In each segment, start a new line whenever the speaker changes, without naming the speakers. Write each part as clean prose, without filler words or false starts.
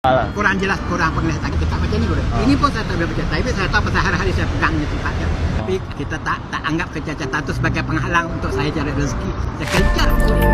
Kurang jelas, kurang penglihatan kita tak macam ni boleh. Ini pun saya tak boleh percaya. Tapi saya tahu pasal hari-hari saya pegang ni tempat dia. Tapi kita tak anggap kecacatan itu sebagai penghalang untuk saya cari rezeki. Saya kejar.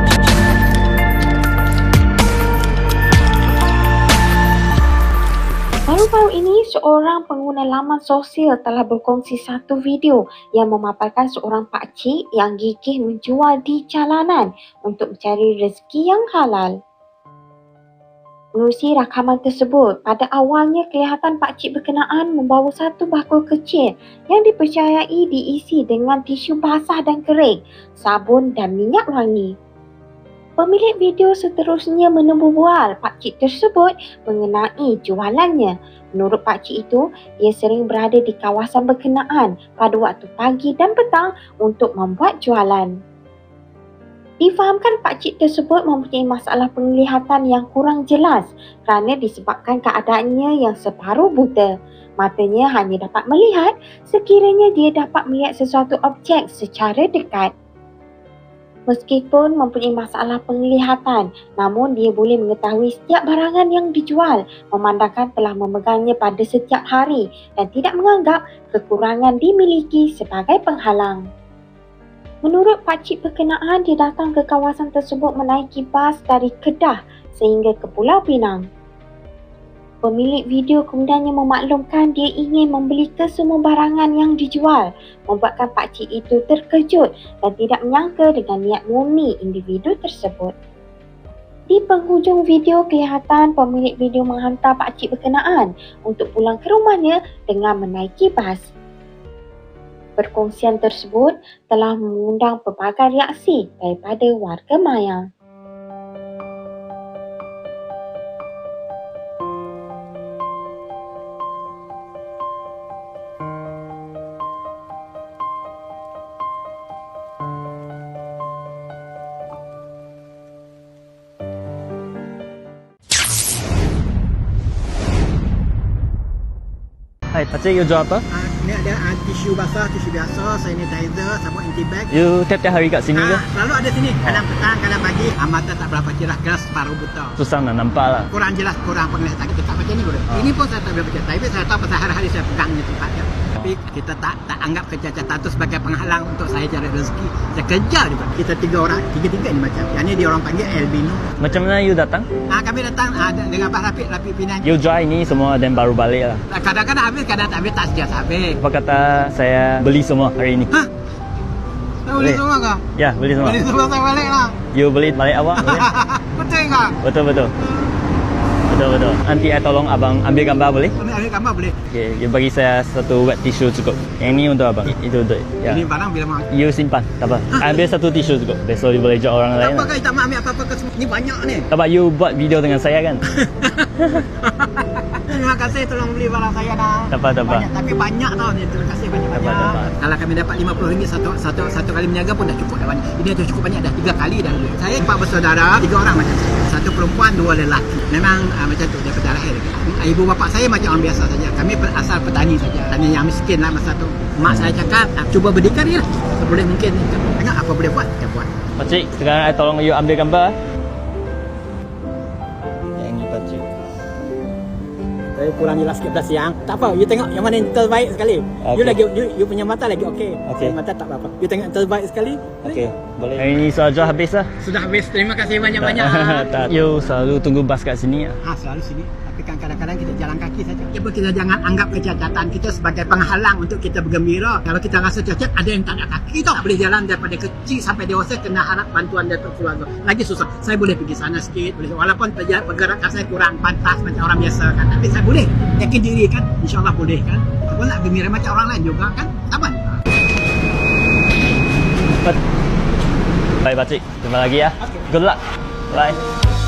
Baru-baru ini, seorang pengguna laman sosial telah berkongsi satu video yang memaparkan seorang pakcik yang gigih menjual di jalanan untuk mencari rezeki yang halal. Menerusi rakaman tersebut, pada awalnya kelihatan pakcik berkenaan membawa satu bakul kecil yang dipercayai diisi dengan tisu basah dan kering, sabun dan minyak wangi. Pemilik video seterusnya menembu bual pakcik tersebut mengenai jualannya. Menurut pakcik itu, ia sering berada di kawasan berkenaan pada waktu pagi dan petang untuk membuat jualan. Difahamkan pakcik tersebut mempunyai masalah penglihatan yang kurang jelas kerana disebabkan keadaannya yang separuh buta. Matanya hanya dapat melihat sekiranya dia dapat melihat sesuatu objek secara dekat. Meskipun mempunyai masalah penglihatan, namun dia boleh mengetahui setiap barangan yang dijual memandangkan telah memegangnya pada setiap hari dan tidak menganggap kekurangan dimiliki sebagai penghalang. Menurut pakcik berkenaan, dia datang ke kawasan tersebut menaiki bas dari Kedah sehingga ke Pulau Pinang. Pemilik video kemudiannya memaklumkan dia ingin membeli kesemua barangan yang dijual, membuatkan pakcik itu terkejut dan tidak menyangka dengan niat murni individu tersebut. Di penghujung video kelihatan pemilik video menghantar pakcik berkenaan untuk pulang ke rumahnya dengan menaiki bas. Perkongsian tersebut telah mengundang pelbagai reaksi daripada warga maya.
Hai, pakcik, you jual apa?
Ni ada tisu basah, tisu biasa, sanitizer, sabun anti bag.
You tiap-tiap hari kat sini ke?
Selalu ada sini. Kadang petang, kadang pagi. Mata tak berapa cerah, keras separuh buta.
Susah nak nampak lah.
Kurang jelas, kurang penglihatan kita tak macam ni boleh. Ini pun saya tak boleh percaya. Tapi saya tahu pasal hari-hari saya pegang ni tempat dia. Tapi kita tak anggap kecacatan itu sebagai penghalang untuk saya cari rezeki. Saya kejar juga. Kita tiga-tiga ni macam. Yang ni dia orang panggil albino.
Macam mana you datang?
Kami datang dengan Abah Rafiq Pinang.
You jual ini semua dan baru balik lah.
Kadang-kadang habis, kadang tak habis, tak sejak habis.
Apa kata saya beli semua hari ini?
Hah? Saya beli semua kah?
Ya, beli semua.
Beli semua saya balik lah.
You beli balik awak? Boleh?
Betul kah?
Betul. Betul. Nanti saya tolong abang ambil gambar boleh?
Ambil gambar boleh.
Okay, you bagi saya satu wet tissue cukup. Yang ni untuk abang. Itu untuk. Ya.
Ini barang bila mau.
You simpan, tak apa. Ambil satu tisu cukup. Besok you boleh jual orang lain.
Tak apa, tak mau ambil apa-apa ke semua. Ni banyak ni.
Tak apa, you buat video dengan saya kan?
Terima kasih tolong beli barang saya dah.
Tak apa.
Banyak, tapi banyak tau ni. Terima kasih banyak-banyak.
Tak apa.
Kalau kami dapat RM50 satu kali menjaga pun dah cukup dah banyak. Ini dah cukup banyak, dah 3 kali dah. Saya 4 bersaudara, 3 orang macam saya. 1 perempuan, 2 lelaki. Memang macam tu daripada lahir. Ibu bapa saya macam orang biasa saja. Kami berasal petani saja. Petani yang miskin lah masa tu. Mak saya cakap, cuba berdikari lah. Boleh mungkin. Tengok apa boleh buat, kita buat.
Pakcik, sekarang saya tolong you ambil gambar. Yang ni pakcik.
Saya kurang jelas sikit dah siang. Tak apa, you tengok yang mana yang terbaik sekali.
Okay.
You lagi you punya mata lagi okey.
Okey.
Mata tak apa-apa. You tengok yang terbaik sekali.
Okey, boleh. Hari ni saja habis lah.
Sudah habis. Terima kasih banyak-banyak.
Tak. You selalu tunggu bas kat sini lah.
Selalu sini. Tapi kan kadang-kadang kita jalan kaki saja. Kita jangan anggap kecacatan kita sebagai penghalang untuk kita bergembira. Kalau kita rasa cacat, ada yang tak ada kaki tau. Tak boleh jalan daripada kecil sampai dewasa, kena harap bantuan dari keluarga. Lagi susah. Saya boleh pergi sana sikit, boleh. Walaupun pergerakan saya kurang pantas macam orang biasa kan. Tapi saya boleh. Yakin diri kan. InsyaAllah boleh kan. Aku nak gembira macam orang lain juga kan. Sabar.
Baik pakcik, jumpa lagi ya.
Okay.
Good luck. Bye.